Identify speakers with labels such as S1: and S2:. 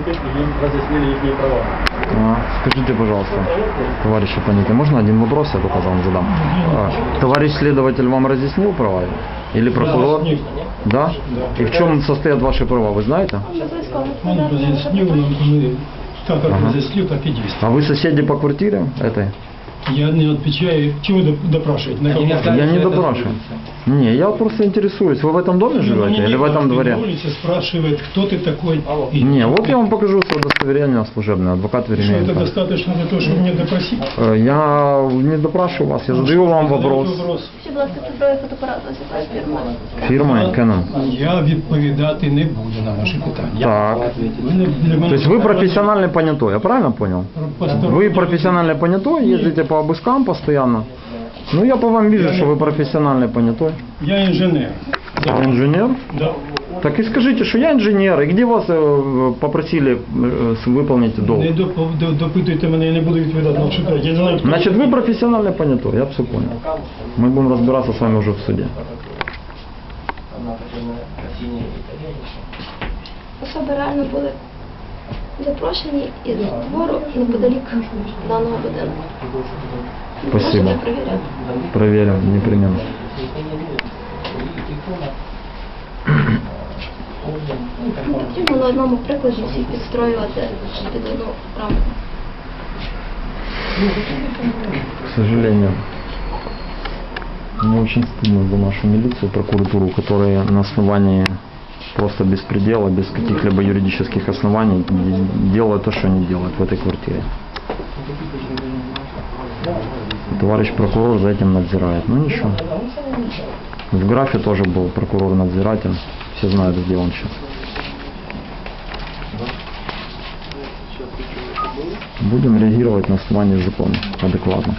S1: им разъяснили их права.
S2: Скажите, пожалуйста, товарищ оппонент, можно один вопрос я только вам задам? Товарищ следователь вам разъяснил права? Или прокурор? Да? И в чем состоят ваши права, вы знаете?
S1: Он разъяснил нам, как разъяснил, так и действует.
S2: А вы соседи по квартире этой?
S1: Я не отвечаю, чего допрашивать? На каком?
S2: Я не допрашиваю. Не, я просто интересуюсь. Вы в этом доме живете или в этом дворе?
S1: На улице спрашивает, кто ты такой.
S2: Не, вот я вам покажу свое удостоверение служебное, адвокат
S1: Что это
S2: Веремеенко.
S1: достаточно для того, чтобы меня допросить?
S2: Я не допрашиваю вас, я задаю вам вопрос.
S3: Ще, будь ласка, цифровий фотоапарат ось якась фірма.
S2: Фирма Canon.
S1: Я відповідати не буду на ваші питання.
S2: Так.
S1: Ви не- для мене
S2: То есть вы профессиональный понятой, я правильно понял? Вы профессиональный понятой, ездите по обыскам постоянно. Ну я по вам вижу, что вы профессиональный понятой.
S1: Я інженер.
S2: Вы инженер?
S1: Да.
S2: Так и скажите, что я инженер, и где вас попросили выполнить долг?
S1: Не допитуйте мене, я не буду відповідати на ваші питання. Я не знаю, хто
S2: Значит, вы профессиональный понятой, я все понял. Мы будем разбираться с вами уже в суде.
S3: Особи реально були запрошені із двору неподалік даного будинку.
S2: Спасибо.
S3: Можете перевіряти.
S2: Проверим, непременно.
S3: Не потрібно на одному прикладі всіх підстроювати під одну рамку.
S2: К сожалению, мне очень стыдно за нашу милицию, прокуратуру, которые на основании просто беспредела, без каких-либо юридических оснований делают то, что они делают в этой квартире. Товарищ прокурор за этим надзирает. Ну ничего. В графе тоже был прокурор-надзиратель. Все знают, где он сейчас. Будем реагировать на основании закона адекватно.